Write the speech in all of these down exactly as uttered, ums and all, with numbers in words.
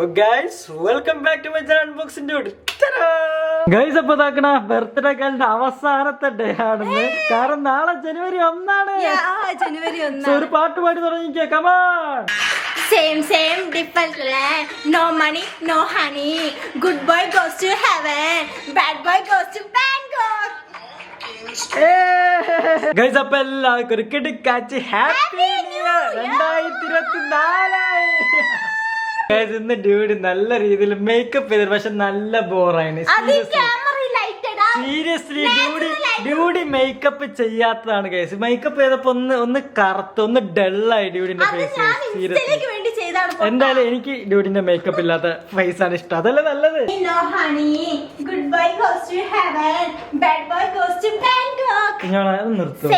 Birthday കാലിന്റെ അവസാനത്തെ day ആണെന്ന്. കാരണം നാളെ ജനുവരി ഒന്നാണ്. ജനുവരി ഒന്ന് ഒരു പാട്ട് പാടി തുടങ്ങിക്കേ. Come on. Same, same, different land. No money, no honey. Good boy goes to heaven. Bad boy goes to Bangkok. Guys, അപ്പൊ എല്ലാവർക്കും ഒരു കിടുക്കാച്ചി ഹാപ്പി ന്യൂ ഇയർ രണ്ടായിരത്തി ഇരുപത്തി നാല്. ഗൈസ്, ഇന്ന് ഡ്യൂഡി നല്ല രീതിയിൽ മേക്കപ്പ് ചെയ്തിട്ട് പക്ഷെ നല്ല ബോറാണ്. സീരിയസ്ലി ഡ്യൂഡി ഡ്യൂഡി മേക്കപ്പ് ചെയ്യാത്തതാണ് ഗൈസ്. മേക്കപ്പ് ചെയ്തപ്പോ ഒന്ന് ഒന്ന് കറുത്ത് ഒന്ന് ഡള്ളായി ഡ്യൂഡിന്റെ ഫേസ്. സീരിയസ്ലി എന്തായാലും എനിക്ക് ഡ്യൂഡിന്റെ മേക്കപ്പ് ഇല്ലാത്ത ഫേസ് ആണ് ഇഷ്ടം. അതല്ലേ നല്ലത്. നിർത്തും.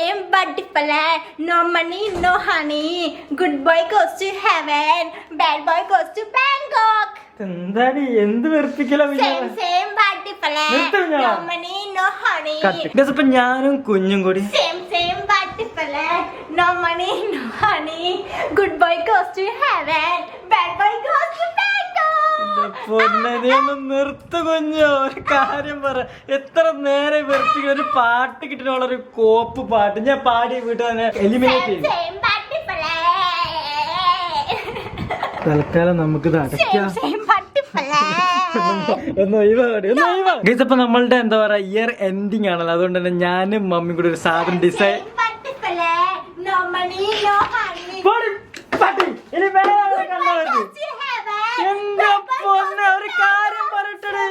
എന്താടി എന്ത് വെറുപ്പിക്കലോ. ഇപ്പൊ ഞാനും കുഞ്ഞും കൂടി No money, no honey. Good boy goes to heaven. Bad boy goes to Bangkok. നിർത്ത് കുഞ്ഞോ. ഒരു കാര്യം പറ, എത്ര നേരെ വെറുപ്പിക്കുന്ന ഒരു പാട്ട് കിട്ടുന്നുള്ള ഒരു കോപ്പ് പാട്ട് ഞാൻ പാടി വീട്ടിൽ തന്നെ എലിമിനേറ്റ് ചെയ്യും. തൽക്കാലം നമുക്കിത് അടയ്ക്കാം. ഇപ്പൊ നമ്മളുടെ എന്താ പറയാ ഇയർ എൻഡിങ് ആണല്ലോ, അതുകൊണ്ട് തന്നെ ഞാനും മമ്മിയും കൂടി ഒരു സാധനം ഡിസൈൻ ഒരു കാര്യം പറയട്ടെ.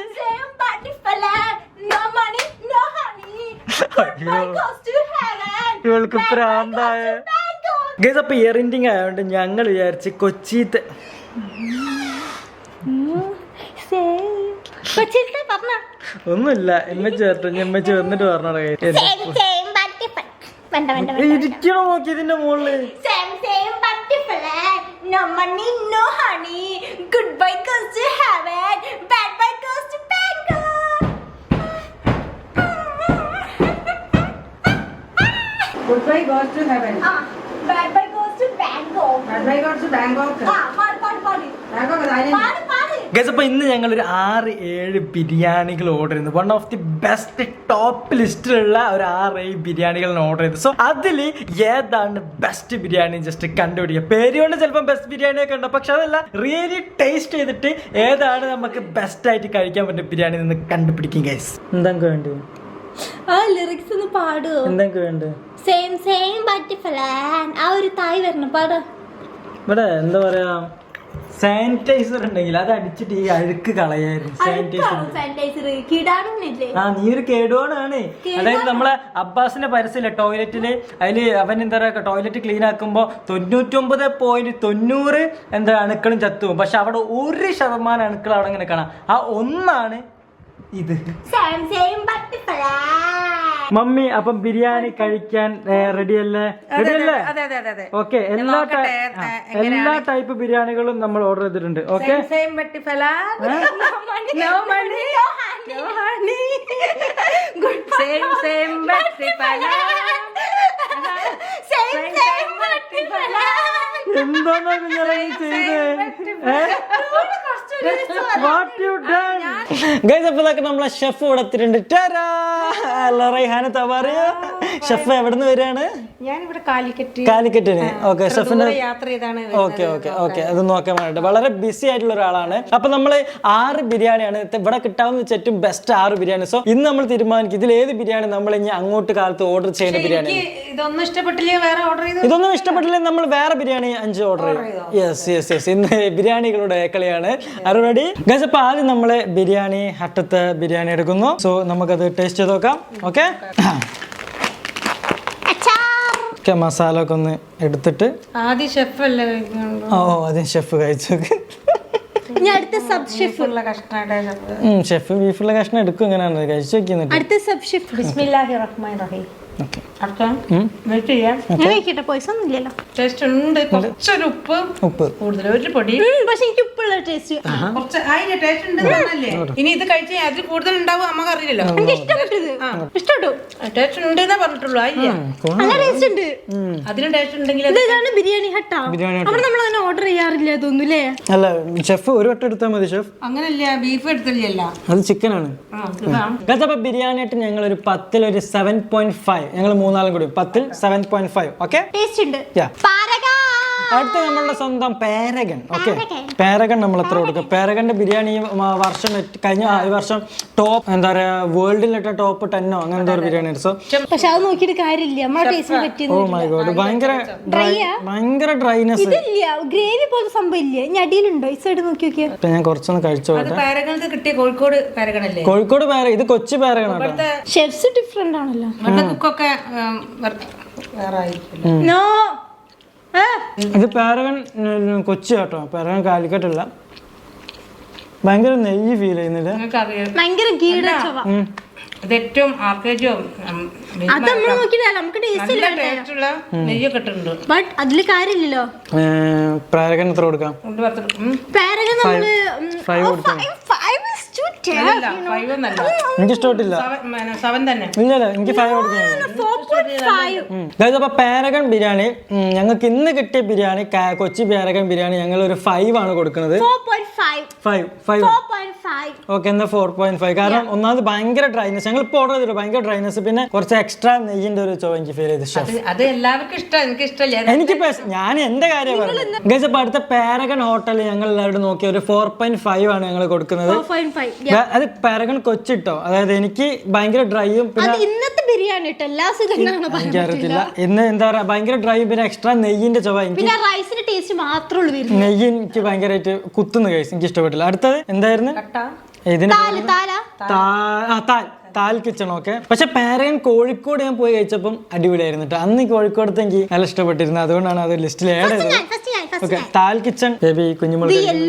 ഇവൾക്ക് പ്രാന്തായ ഗൈസ്. അപ്പൊ ഇയർ എൻഡിങ് ആയതുകൊണ്ട് ഞങ്ങൾ വിചാരിച്ച് കൊച്ചിത്തെ ഒന്നുമില്ല. എമ്മച്ചി ചേർത്ത് എമ്മച്ചി വന്നിട്ട് പറഞ്ഞോ. ഇരിക്കണോ നോക്കി ഇതിന്റെ മുകളില്. No money, no honey. Good boy goes to heaven. Bad boy goes to Bangkok. Good boy goes to heaven. Ah, bad boy goes to Bangkok. Bad boy goes to Bangkok. Ah, paadu paadu paadu. Bangkok island. Paadu paadu. Guys, അപ്പൊ ഇന്ന് ഞങ്ങൾ ഒരു ആറ് ഏഴ് ബിരിയാണികൾ order ചെയ്തു. One of the best top ലിസ്റ്റിലുള്ള ഒരു ആറ് ഏഴ് ബിരിയാണികൾ ഓർഡർ ചെയ്തു. സോ അതിൽ ഏതാണ് ബെസ്റ്റ് ബിരിയാണി ജസ്റ്റ് കണ്ടുപിടിക്കുക. പേര് കൊണ്ട് ചിലപ്പോൾ ബെസ്റ്റ് ബിരിയാണി ഒക്കെ ഉണ്ട്, പക്ഷെ അതല്ല, റിയലി ടേസ്റ്റ് ചെയ്തിട്ട് ഏതാണ് നമുക്ക് ബെസ്റ്റ് ആയിട്ട് കഴിക്കാൻ പറ്റുന്ന ബിരിയാണി നിന്ന് കണ്ടുപിടിക്കും ഗൈസ്. എന്തൊക്കെ വേണ്ടത്? ആ ലിറിക്സ് ഒന്ന് പാടൂ. എന്തൊക്കെ വേണ്ടത്? Same same butterfly. ആ ഒരു തായ് വരണം, പാട്. ഇവിടെ എന്താ പറയാ, സാനിറ്റൈസർ ഉണ്ടെങ്കിൽ അത് അടിച്ചിട്ട് ഈ അഴുക്ക് കളയായിരുന്നു. സാനിറ്റൈസർ ആ നീ ഒരു കേടുവാണ്. അതായത് നമ്മളെ അബ്ബാസിന്റെ പരസ്യമില്ല ടോയ്ലറ്റില്, അതില് അവൻ എന്താ പറയാ ടോയ്ലറ്റ് ക്ലീൻ ആക്കുമ്പോ തൊണ്ണൂറ്റൊമ്പത് പോയിന്റ് തൊണ്ണൂറ് എന്താ അണുക്കളും ചത്തുവും, പക്ഷെ അവിടെ ഒരു ശതമാനം അണുക്കൾ അവിടെ ഇങ്ങനെ കാണാം. ആ ഒന്നാണ് ഇത്. മമ്മി, അപ്പം ബിരിയാണി കഴിക്കാൻ റെഡി അല്ലേ? റെഡി അല്ലേ? ഓക്കെ. എല്ലാ എല്ലാ ടൈപ്പ് ബിരിയാണികളും നമ്മൾ ഓർഡർ ചെയ്തിട്ടുണ്ട്. ഓക്കെ. എന്താണോ കുഞ്ഞാലേ ചെയ്തേ? നമ്മളെ ഷെഫ് ഇവിടെ എത്തിയിട്ടുണ്ട്. ഷെഫ് എവിടുന്ന് വരികയാണ്? കാലിക്കറ്റിന്. ഓക്കെ, ഷെഫിന്റെ ഓക്കെ ഓക്കെ ഓക്കെ അത് നോക്കാൻ വേണ്ടിട്ട് വളരെ ബിസി ആയിട്ടുള്ള ഒരാളാണ്. അപ്പൊ നമ്മള് ആറ് ബിരിയാണിയാണ് ഇവിടെ കിട്ടാവുന്ന ഏറ്റവും ബെസ്റ്റ് ആറ് ബിരിയാണി. സോ ഇന്ന് നമ്മൾ തീരുമാനിക്കും ഇതിൽ ഏത് ബിരിയാണി നമ്മൾ ഇനി അങ്ങോട്ട് കാലത്ത് ഓർഡർ ചെയ്യുന്ന ബിരിയാണി. ഇതൊന്നും ഇഷ്ടപ്പെട്ടില്ലേ വേറെ ഓർഡർ ചെയ്തു? ഇതൊന്നും ഇഷ്ടപ്പെട്ടില്ലേ നമ്മൾ വേറെ ബിരിയാണി അഞ്ച് ഓർഡർ ചെയ്യും. യെസ് യെസ് യെസ് ഇന്ന് ബിരിയാണികളുടെ കളിയാണ്. Ready guys? അപ്പൊ ആദ്യം നമ്മള് ബിരിയാണി ഹട്ടത്തെ ബിരിയാണി എടുക്കുന്നു. സോ നമുക്കത് ടേസ്റ്റ് ചെയ്ത് നോക്കാം. ഓക്കെ, മസാല ഒക്കെ ഒന്ന് എടുത്തിട്ട് ആദ്യം ഷെഫ് അല്ലേ? ഓ ആദ്യം ഷെഫ് കഴിച്ചു. ഷെഫ് ബീഫുള്ള കഷ്ണം എടുക്കും. ഇങ്ങനെയാണ് കഴിച്ചു വെക്കുന്നത്. വെയിറ്റ് ചെയ്യാം. ഞാൻ കഴിക്കട്ടെ, പൈസ ഒന്നും ഇല്ലല്ലോ. ടേസ്റ്റ് ഉണ്ട്, കുറച്ചൊരു ഉപ്പ് ഉപ്പ് കൂടുതൽ, ഒരു പൊടി പക്ഷെ എനിക്ക് ഉപ്പുള്ള ടേസ്റ്റ് കുറച്ച് അതിന്റെ ടേസ്റ്റ് ഉണ്ട് പറഞ്ഞല്ലേ. ഇനി ഇത് കഴിച്ചാൽ അതിൽ കൂടുതൽ ഉണ്ടാവും നമുക്ക് അറിയില്ലല്ലോ. എനിക്ക് ഇഷ്ടപ്പെട്ടത് ഇഷ്ടപ്പെട്ടു. ടേസ്റ്റ് ഉണ്ട് എന്നേ പറഞ്ഞിട്ടുള്ളൂ. അതില്ല നല്ല ടേസ്റ്റ് ഉണ്ട്. അതിന് ടേസ്റ്റ് ഉണ്ടെങ്കിൽ ഇത് ഇതാണ് ബിരിയാണി ഹട്ടാ. അവിടെ നമ്മൾ അങ്ങനെ ഓർഡർ ചെയ്യാറില്ല തോന്നുന്നു. അല്ല ഷെഫ് ഒരു വട്ടം എടുത്താൽ മതി ഷെഫ്. അങ്ങനല്ല, ബീഫ് എടുത്തില്ല, അത് ചിക്കൻ ആണ്. അപ്പൊ ബിരിയാണി ആയിട്ട് ഞങ്ങൾ ഒരു പത്തിൽ ഒരു സെവൻ പോയിന്റ് ഫൈവ് ഞങ്ങൾ മൂന്നാളും കൂടി പത്തിൽ seven point five okay. Taste ഉണ്ട്. അടുത്ത നമ്മളുടെ സ്വന്തം പാരഗൺ. ഓക്കെ, പാരഗൺ നമ്മൾ എത്ര കൊടുക്കും? പാരഗന്റെ ബിരിയാണി ഈ വർഷം കഴിഞ്ഞ ഈ വർഷം ടോപ്പ് എന്താ പറയാ വേൾഡിലിട്ട ടോപ്പ് ടെന്നോ അങ്ങനെ എന്തോ ഒരു ബിരിയാണി. സോ പക്ഷെ അത് നോക്കിയിട്ട് കാര്യമില്ല, നമ്മുടെ ടേസ്റ്റിന് പറ്റിയത്. ഓ മൈ ഗോഡ്, ഭയങ്കര ഭയങ്കര ഡ്രൈനെസ്. ഇതില്ല ഗ്രേവി പോലത്തെ സംഭവം ഇല്ല. ഇനി അടിയിലുണ്ടോ? ഈ സൈഡ് നോക്കി നോക്കിയാ. ഞാൻ കുറച്ചൊന്ന് കഴിച്ചോ. പാരഗൺക്ക് കിട്ടിയ കോഴിക്കോട് പാരഗൺ അല്ലേ? കോഴിക്കോട് പാര, ഇത് കൊച്ചി പാരഗൺ ആണ്. ഷെഫ്സ് ഡിഫറെന്റ് ആണല്ലോ. കുക്കൊക്കെ വേറെ ആയിരിക്കും. നോ, ഇത് പാരഗൺ കൊച്ചി കേട്ടോ, പാരഗൺ കാലിക്കട്ടല്ല. ഭയങ്കര നെയ്യ് ഫീൽ ചെയ്യുന്നില്ല. ഭയങ്കര ഗീട ചൊവ. ഇത് ഏറ്റവും ആർക്കേജും അത് നമ്മൾ നോക്കിയില്ല, നമുക്ക് ടേസ്റ്റുള്ള നെയ്യൊക്കെ ഇട്ടിട്ടുണ്ട്. ബട്ട് അതില് കാര്യമില്ലല്ലോ. പാരഗൺ എത്ര കൊടുക്കാം? പാരഗൺ നമ്മള് എനിക്ക് ഇഷ്ടപ്പെട്ടില്ല. ഇല്ലല്ല, എനിക്ക് ഫൈവ് കൊടുക്കാം. അപ്പൊ പാരഗൺ ബിരിയാണി ഞങ്ങൾക്ക് ഇന്ന് കിട്ടിയ ബിരിയാണി, കൊച്ചി പാരഗൺ ബിരിയാണി ഞങ്ങൾ ഒരു ഫൈവ് ആണ് കൊടുക്കുന്നത്. ഫൈവ് ഫൈവ് ഓക്കെ, എന്നാ ഫോർ പോയിന്റ് ഫൈവ്. കാരണം ഒന്നാമത് ഭയങ്കര ഡ്രൈനെസ്, ഞങ്ങൾ ഇപ്പോൾ ഓർഡർ ചെയ്തിട്ട് ഭയങ്കര ഡ്രൈനെസ്, പിന്നെ കുറച്ച് എക്സ്ട്രാ നെയ്യിന്റെ ഒരു ചോ എനിക്ക് ഫീൽ ചെയ്ത്. അത് എല്ലാവർക്കും ഇഷ്ടം, എനിക്ക് ഇഷ്ടമല്ല. എനിക്ക് ഞാൻ എന്റെ കാര്യം പറയുന്നത് ഗൈസ്. അപ്പൊ അടുത്ത പാരഗൺ ഹോട്ടൽ ഞങ്ങൾ എല്ലാവരും നോക്കിയ ഒരു ഫോർ പോയിന്റ് ഫൈവ് ആണ് ഞങ്ങൾ കൊടുക്കുന്നത്. അത് പാരഗൺ കൊച്ചിട്ടോ, അതായത് എനിക്ക് ഭയങ്കര ഡ്രൈയും പിന്നെ ഇന്നത്തെ ബിരിയാണി എനിക്കറിയത്തില്ല ഇന്ന് എന്താ പറയാ ഭയങ്കര ഡ്രൈയും പിന്നെ എക്സ്ട്രാ നെയ്യിന്റെ ചൊവ. എനിക്ക് നെയ്യ് എനിക്ക് ഭയങ്കരമായിട്ട് കുത്തുന്നു ഗൈസ്, എനിക്ക് ഇഷ്ടപ്പെട്ടില്ല. അടുത്തത് എന്തായിരുന്നു? ഇതിന് താൽ കിച്ചൺ. ഓക്കെ, പക്ഷെ പാരഗൺ കോഴിക്കോട് ഞാൻ പോയി കഴിച്ചപ്പം അടിപൊളിയായിരുന്നു കേട്ടോ. അന്ന് കോഴിക്കോടത്തെ എനിക്ക് നല്ല ഇഷ്ടപ്പെട്ടിരുന്നു, അതുകൊണ്ടാണ് അത് ലിസ്റ്റിൽ ആഡ് ചെയ്തത്. ഓക്കെ, താൽ കിച്ചൺ ബേബി കുഞ്ഞുമോൾ.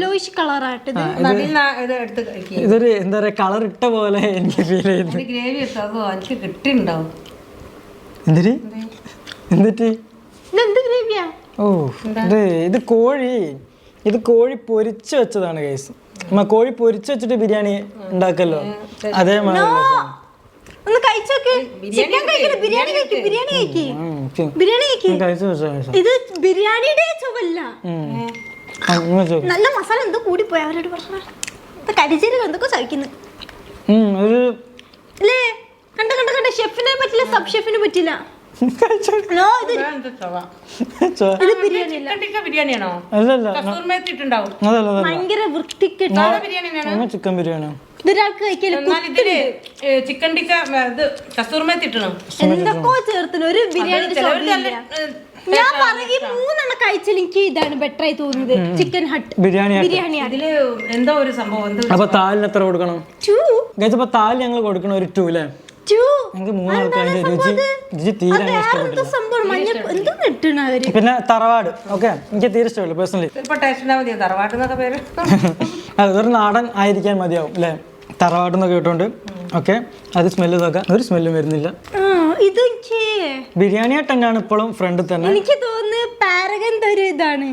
ഇതൊരു എന്താ പറയാ കളർ ഇട്ട പോലെ എനിക്ക് ഫീൽ ചെയ്യുന്നു. എന്തിരി എന്തിട്ട് ഓ ഇത് ഇത് കോഴി ഇത് കോഴി പൊരിച്ച് വെച്ചതാണ് ഗൈസ്. നമ്മ കോഴി പൊരിച്ച് വെച്ചിട്ട് ബിരിയാണി ഉണ്ടാക്കല്ലോ, അതേമാതിരി നല്ല മസാല എന്തോ കൂടി പോയി. അവരോട് പറഞ്ഞു എന്തൊക്കെ സഹിക്കുന്നു അല്ലേ? കണ്ട കണ്ട കണ്ട ഷെഫിനെ പറ്റില്ല, സബ് ഷെഫിന് പറ്റില്ല. ഭയങ്കര വൃത്തിക്കെട്ട ചിക്കൻ ബിരിയാണി. ചിക്കൻ ടിക്ക എന്തൊക്കെയോ ചേർത്തിന് ഒരു ബിരിയാണി. ഞാൻ പറയും മൂന്നെണ്ണം കഴിച്ചാൽ എനിക്ക് ഇതാണ് ബെറ്റർ ആയി തോന്നുന്നത്. ചിക്കൻ ഹട്ട് ബിരിയാണി ബിരിയാണി അതില് എന്തോ ഒരു സംഭവം. അപ്പൊ താലിന് എത്ര കൊടുക്കണം? ടു. അപ്പൊ താല് ഞങ്ങൾ കൊടുക്കണം ഒരു ടു അല്ലേ? പിന്നെ തറവാട്. ഓക്കെ, എനിക്ക് തീരെ ഇഷ്ടമല്ല പേഴ്സണലി. അതൊരു നാടൻ ആയിരിക്കാൻ മതിയാവും അല്ലെ? തറവാട് എന്നൊക്കെ കേട്ടോണ്ട്. ഓക്കെ, അത് സ്മെല്ല് നോക്കാം, ഒരു സ്മെല്ലും വരുന്നില്ല. ബിരിയാണി ആയിട്ട് തന്നെയാണ് ഇപ്പോഴും ഫ്രണ്ടിൽ തന്നെ. എനിക്ക് തോന്നുന്നു പാരഗൺ ഒരു ഇതാണ്.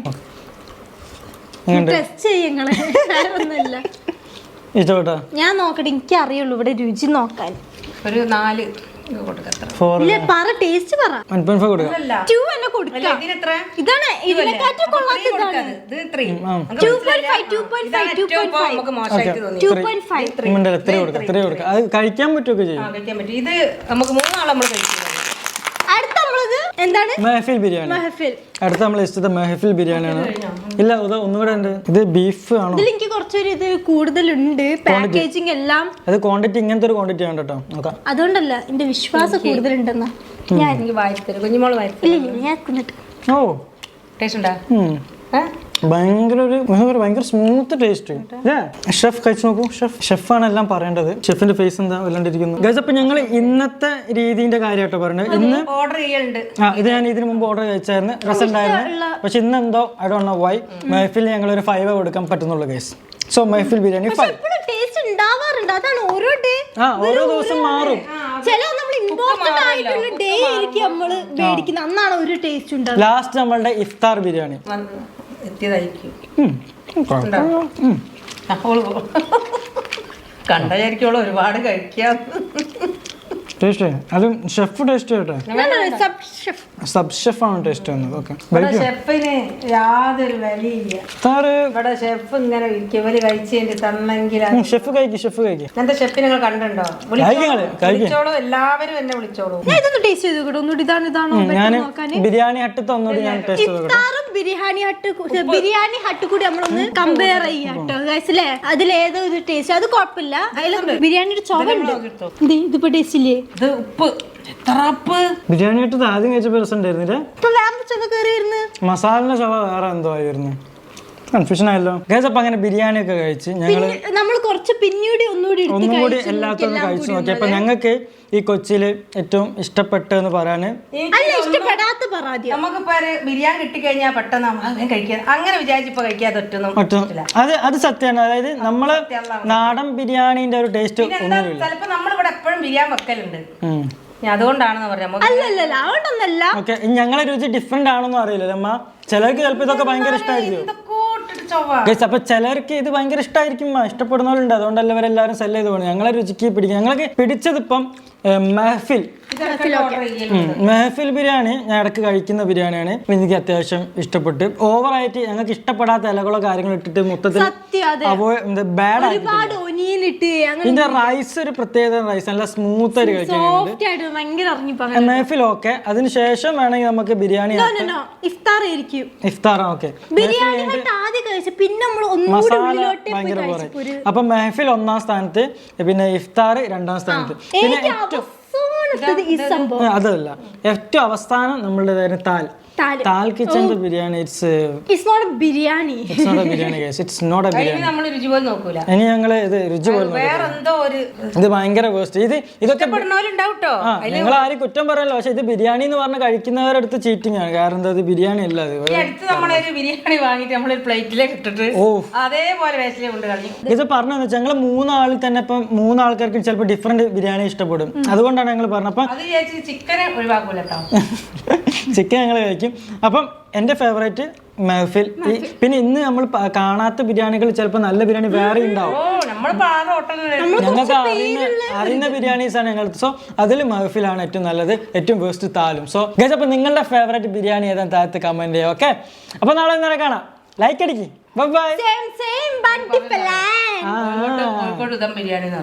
ഇഷ്ടപ്പെട്ടോ? ഞാൻ നോക്കട്ടെ, എനിക്ക് അറിയുള്ളൂ ഇവിടെ രുചി നോക്കാൻ. ഒരു നാല് ടേസ്റ്റ് പറ. അത് കഴിക്കാൻ പറ്റുമൊക്കെ ചെയ്യും. ഇത് നമുക്ക് മൂന്നാളെ നമ്മൾ കഴിക്കും. അടുത്ത എന്താണ്? മെഹഫിൽ ബിരിയാണി. അടുത്ത നമ്മൾ ഇഷ്ടത്തെ മെഹഫിൽ ബിരിയാണിയാണ്. ഇല്ല, ഒന്നുകൂടെ ഉണ്ട്. ഇത് ബീഫ് ആണോ? എനിക്ക് കുറച്ചൊരു ഇത് കൂടുതലുണ്ട്, പാക്കേജിങ് എല്ലാം. അത് ക്വാണ്ടിറ്റി ഇങ്ങനത്തെ ഒരു ക്വാണ്ടിറ്റി ആണ് കേട്ടോ. നോക്കാം. അതുകൊണ്ടല്ല, എന്റെ വിശ്വാസം കൂടുതലുണ്ടെന്നാ. ഞാൻ എനിക്ക് വായിത്തരും കുഞ്ഞുമോള് വായിത്തരും. ഓ ടേസ്റ്റ് ഉണ്ടാ? ഭയങ്കര ഒരു ഭയങ്കര സ്മൂത്ത് ടേസ്റ്റ്. ഷെഫ് കഴിച്ചു നോക്കൂ. ഷെഫ് ഷെഫാണ് എല്ലാം പറയേണ്ടത്. ഷെഫിന്റെ ഫേസ് എന്താ വല്ലാണ്ടിരിക്കുന്നു ഗൈസ്. അപ്പൊ ഞങ്ങൾ ഇന്നത്തെ രീതിന്റെ കാര്യമായിട്ടോ പറഞ്ഞത്. ഇന്ന് ഓർഡർ ചെയ്യലുണ്ട്. ആ ഇത് ഞാൻ ഇതിന് മുമ്പ് ഓർഡർ കഴിച്ചായിരുന്നു, രസമുണ്ടായിരുന്നു. പക്ഷെ ഇന്ന് എന്തോ I don't know why Mehfil ഞങ്ങൾ ഒരു ഫൈവ് കൊടുക്കാൻ പറ്റുന്നുള്ളൂ guys. So Mehfil biryani five. Taste ഉണ്ടാവാറുണ്ട്, അതാണ് ഓരോ ഡേ ആ ഓരോ ദിവസം മാറും. ചില നമ്മൾ ഇമ്പോർട്ടന്റ് ഡേ ആയിരിക്കും നമ്മള് മേടിക്കുന്ന അന്നാണ് ഒരു ടേസ്റ്റ് ഉണ്ടാവും. ലാസ്റ്റ് നമ്മളുടെ ഇഫ്താർ ബിരിയാണി എത്തിയതായിരിക്കും കണ്ടായിരിക്കുള്ളൂ ഒരുപാട് കഴിക്കാം. ടേസ്റ്റ് അതും ഷെഫ് ടേസ്റ്റ് ചെയ്യട്ടെ. സബ് ഷെഫാണ് ടേസ്റ്റ് വന്നത്. ഓക്കെ ഷെഫിന് യാതൊരു വിലയില്ല. ഇവിടെ ഷെഫ് ഇങ്ങനെ ഇവര് കഴിച്ചതിന്റെ തന്നെങ്കിൽ ഷെഫ് കഴിക്കും ഷെഫ് കഴിക്കും. എന്റെ ഷെഫിനെ നിങ്ങൾ കണ്ടിട്ടുണ്ടോ? വിളിച്ചോളൂ, എല്ലാവരും എന്നെ വിളിച്ചോളൂ. ഇതൊന്ന് ടേസ്റ്റ് ചെയ്ത് നോക്കട്ടെ. ഒന്നുകൂടി ഇതാണ് ഇതാണോ ഞാൻ ബിരിയാണി ഹട്ടത്തെ ഒന്നുകൂടി ഞാൻ ടേസ്റ്റ് ചെയ്ത് ഇഫ്താറും ബിരിയാണി ഹട്ട് ബിരിയാണി ഹട്ട് കൂടി നമ്മളൊന്ന് കമ്പയർ ചെയ്യാം കേട്ടോ ഗൈസിലെ. അതിലേതോ ഒരു ടേസ്റ്റ് അത് കുഴപ്പമില്ല. അതിൽ ബിരിയാണിയുടെ ചോവുണ്ട്. ഇതിപ്പോ ടേസ്റ്റ് ഇല്ലേ? ഇത് ഉപ്പ് എത്ര ഉപ്പ്. ബിരിയാണി ഹട്ടത്ത് ആദ്യം കഴിച്ചപ്പോ രസം ഉണ്ടായിരുന്നില്ല. മസാലിന്റെ ചവ വേറെ എന്തോ ആയിരുന്നു. കൺഫ്യൂഷൻ ആയല്ലോ ഗൈസ്. അപ്പൊ അങ്ങനെ ബിരിയാണി ഒക്കെ കഴിച്ച് ഞങ്ങള് നമ്മൾ കുറച്ച് പിന്നീട് ഒന്നുകൂടി ഒന്നും കൂടി എല്ലാത്തൊന്നും കഴിച്ചു നോക്കി. അപ്പൊ ഞങ്ങൾക്ക് ഈ കൊച്ചിയില് ഏറ്റവും ഇഷ്ടപ്പെട്ടെന്ന് പറയാന് ഇഷ്ടപ്പെടാത്ത പറയാ നമുക്കിപ്പോ ബിരിയാണി കിട്ടിക്കഴിഞ്ഞാൽ പെട്ടെന്ന് അങ്ങനെ കഴിക്കാൻ അങ്ങനെ വിചാരിച്ചപ്പോ കഴിക്കാതെ ഒറ്റൊന്നും. അത് അത് സത്യമാണ്. അതായത് നമ്മള് നാടൻ ബിരിയാണിന്റെ ഒരു ടേസ്റ്റ് ഒന്നുമില്ല. ചിലപ്പോ നമ്മളിവിടെ എപ്പോഴും ബിരിയാണി വെക്കലുണ്ട്, അതുകൊണ്ടാണെന്ന് പറയാം. ഓക്കെ ഞങ്ങളെ രുചി ഡിഫറെന്റ് ആണെന്നും അറിയില്ല അമ്മ. ചിലർക്ക് ചിലപ്പോ ഇതൊക്കെ ഭയങ്കര ഇഷ്ടമായിരിക്കും. അപ്പൊ ചിലർക്ക് ഇത് ഭയങ്കര ഇഷ്ടമായിരിക്കും, ഇഷ്ടപ്പെടുന്നവരുണ്ട്. അതുകൊണ്ടല്ല ഇവരെല്ലാവരും സെല് ചെയ്ത് പോകുന്നത്. ഞങ്ങളെ രുചിക്ക് പിടിക്കും. ഞങ്ങൾക്ക് പിടിച്ചത് ഇപ്പം മെഹഫിൽ മെഹഫിൽ ബിരിയാണി ഞാൻ ഇടയ്ക്ക് കഴിക്കുന്ന ബിരിയാണിയാണ്. എനിക്ക് അത്യാവശ്യം ഇഷ്ടപ്പെട്ട്. ഓവറായിട്ട് ഞങ്ങൾക്ക് ഇഷ്ടപ്പെടാത്ത ഇലകളോ കാര്യങ്ങളോ ഇട്ടിട്ട് മൊത്തത്തിൽ ബാഡ് ആയിട്ട്. ഇതിന്റെ റൈസ് ഒരു പ്രത്യേക റൈസ്, നല്ല സ്മൂത്ത് ആയിട്ട് കഴിക്കാൻ മെഹഫിൽ. ഓക്കെ അതിനുശേഷം വേണമെങ്കിൽ നമുക്ക് ബിരിയാണി ഇഫ്താർ. ഓക്കെ മസാല ഭയങ്കര പോരെ. അപ്പൊ മെഹഫിൽ ഒന്നാം സ്ഥാനത്ത്, പിന്നെ ഇഫ്താർ രണ്ടാം സ്ഥാനത്ത്, പിന്നെ ഏറ്റവും അതല്ല ഏറ്റവും അവസാനം നമ്മളുടെ താൽ താൽ കിച്ചന്റെ biryani. It's it's not a biryani. It's not a biryani guys. It's not a biryani. നമ്മൾ രുചി പോലും നോക്കൂല. ഇനി ഞങ്ങള് ഇത് രുചി പോലും വേറെ എന്തോ ഒരു ഇത് ഭയങ്കര വേസ്റ്റ്. ഇത് ഇതൊക്കെ പെടുന്നവരുണ്ടാവട്ടോ. നിങ്ങൾ ആരും കുറ്റം പറയല്ലോ. പക്ഷെ ഇത് ബിരിയാണി എന്ന് പറഞ്ഞ കഴിക്കുന്നവരടുത്ത് ചീറ്റിംഗ് ആണ്. കാരണം എന്താ, ഇത് ബിരിയാണി അല്ല. അത് അടുത്ത് നമ്മളൊരു ബിരിയാണി വാങ്ങിട്ട് നമ്മളൊരു പ്ലേറ്റിലേക്ക് ഇട്ടിട്ട് അതേപോലെ വേസ്റ്റിലെ കൊണ്ട് കളഞ്ഞു. ഇത് പറഞ്ഞതെന്ന് വെച്ചാൽ ഞങ്ങൾ മൂന്നാളിൽ തന്നെ ഇപ്പം മൂന്നാൾക്കാർക്ക് ചിലപ്പോൾ ഡിഫറെന്റ് ബിരിയാണി ഇഷ്ടപ്പെടും. അതുകൊണ്ടാണ് ഞങ്ങൾ പറഞ്ഞത്. അപ്പം ചിക്കനെ ഒഴിവാക്കൂല കേട്ടോ. ചിക്കൻ ഞങ്ങൾ കഴിക്കും. അപ്പം എൻ്റെ ഫേവറേറ്റ് മെഹഫിൽ. പിന്നെ ഇന്ന് നമ്മൾ കാണാത്ത ബിരിയാണികൾ ചിലപ്പോൾ നല്ല ബിരിയാണി വേറെ ഉണ്ടാവും. ഞങ്ങൾക്ക് അറിയുന്ന അറിയുന്ന ബിരിയാണീസ് ആണ് ഞങ്ങൾ. സോ അതിൽ മെഹഫിലാണ് ഏറ്റവും നല്ലത്, ഏറ്റവും വേസ്റ്റ് താലും. സോ ഗൈസ് അപ്പൊ നിങ്ങളുടെ ഫേവറേറ്റ് ബിരിയാണി ഏതാണ് താഴത്ത് കമന്റ് ചെയ്യുക. ഓക്കെ അപ്പൊ നാളെ ഇന്നലെ കാണാം. ലൈക്ക് അടിക്ക്. Bye bye. ബിരിയാണി